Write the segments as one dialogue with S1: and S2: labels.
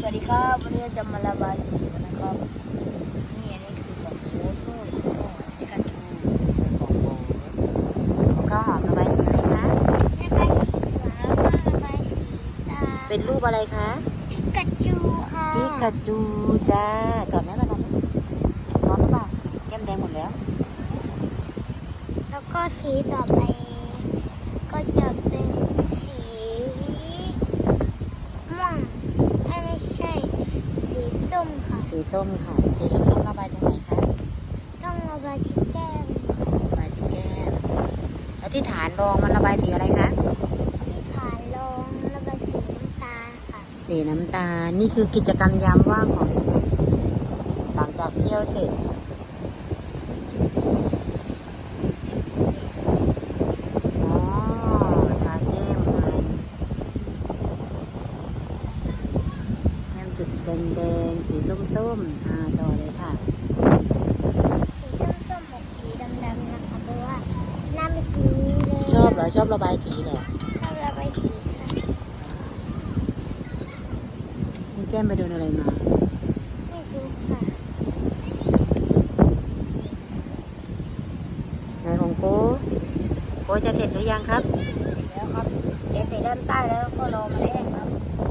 S1: วัสดีครับวันนี้จะมาระบายสีนะครับนี่อันนี้คือของโค้ดด้วยที่กันทู
S2: นี่คือของโบของข้าวหอมระบายสีอะไรคะ
S3: ระบายสีเหลืองแล้วก็ระบายสีตา
S2: เป็นรูปอะไรคะ
S3: กระจูค่ะ
S2: พิกาจูจ้าตอบไหมมาตอบไหมร้อนหรือเปล่าแก้มแดงหมดแล้ว
S3: แล้วก็สีต่อไปก็จะเป็นสีม่วงไม่ใช่สีส้มค่ะ
S2: สีส้มค่ะสีส้มต้องระบายตรงไหนคะ
S3: ต้องระบายที่แก้ม
S2: ระบายที่แก้มแล้วที่ฐานรองมันระบายสีอะไรคะ
S3: ที่ขาลงระบายสีน้ำตาลค่ะ
S2: สีน้ำตาลนี่คือกิจกรรมยามว่างของเด็กๆหลังจากเที่ยวเสร็จอ๋อทาแก้มมันแก้มจุดแดงๆสีส้มๆต่อเลยค่ะ
S3: สีส้มๆกับสีดำๆนะคะเพราะว่าหน้าเป็นสีนี้เลย
S2: ชอบเหรอชอบระบายสีเหรอ
S3: ชอบระบายสีค่ะ
S2: นี่แก้มไปโดนอะไรมา
S3: ไม่รู้ค่ะ
S2: ไหนของโก้จะเสร็จหรือยังครับ
S1: แล้วครับเดี๋ยวติดด้านใต้แล้วก็รอมาแห้งครับ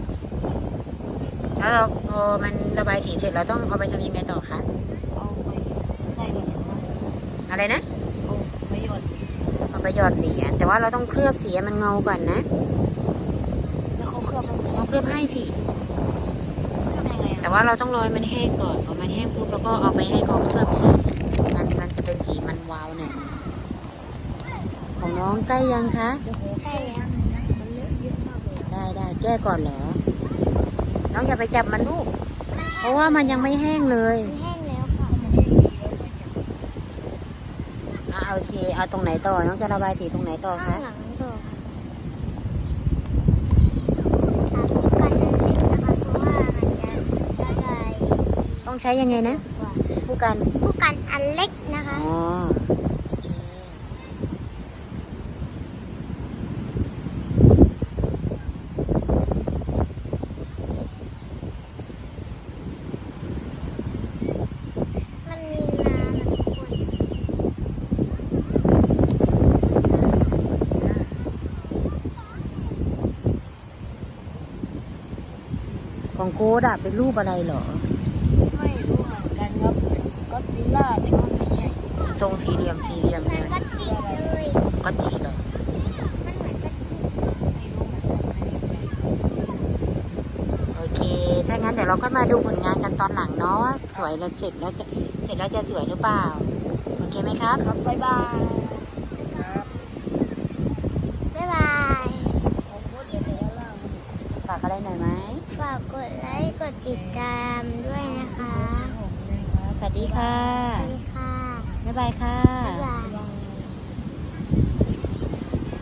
S2: แล้วเราพอมันระบายสีเสร็จเราต้องเอาไปทำยังไงต่อคะ
S1: เอาไปใส่เหรียญครับ
S2: อะไรนะ
S1: เอาไปหยด
S2: เอาไปหยอดเหรียญแต่ว่าเราต้องเคลือบสีให้มันเงาก่อนนะ
S1: แล้วเขาเคลือบมัน
S2: เราเคลือบให้สิ
S1: เคลือบยังไง
S2: แต่
S1: อ่ะ
S2: ว่าเราต้องรอให้มันแห้งก่อนพอมันแห้งปุ๊บเราก็เอาไปให้เขาเคลือบสีมันจะเป็นสีมันวาวหน่อยของน้องใกล้ยังคะ
S1: เดี๋ยวโห
S3: ใกล้แล้ว
S1: มันเลอะเยอะมากเลย
S2: ได้แก้ก่อนเหรอ น้องอย่าไปจับมันลูก เพราะว่ามันยังไม่แห้งเลย
S3: มันแห้งแล้วค่ะ
S2: โอเคเอาตรงไหนต่อ น้องจะระบายสีตรงไหนต่อ
S3: ข้า
S2: คะ
S3: งหลังต่อค่ะตามกันเลยนะคะเพราะว่ามันจะระบาย
S2: ต้องใช้ยังไงนะ
S3: กว่า
S2: ผู้กัน
S3: ผู้กันอันเล็กนะคะ
S2: อ๋อโอเค
S3: มันมีน้ำนะทุกคน
S2: ของโก้ดอะเป็นรูปอะไรเหรอ
S1: ไม่รู้เหมือนกันครับก็อดซิลล่าแต่ก็ไม่ใช่
S2: ทรงสี่เหลี่ยมเล
S3: มัน
S2: ย
S3: ก็จิกเลย
S2: ก็จีเหรอ
S3: มันเหมือนก็จิก
S1: ไม่รู้เหมือนกันไม่แน่ใจ
S2: โอเค ถ้างั้นเดี๋ยวเราก็มาดูผลงานกันตอนหลังเนาะว่าสวยแล้วเสร็จแล้วจะสวยหรือเปล่า โอเคไหมครับ
S1: ครับบ๊ายบายครับ
S3: บ๊ายบาย
S1: ผมพูดเดี๋ยวไปด้านล่าง
S2: ฝากอะไรหน่อยไหม
S3: ฝากกดไลค์กดติดตามด้วยนะคะ
S1: ผมเลยครับ
S2: สวัสดีค่ะ
S3: สวัสดีค่ะ
S2: บ๊ายบายค่ะ
S3: บ๊ายบาย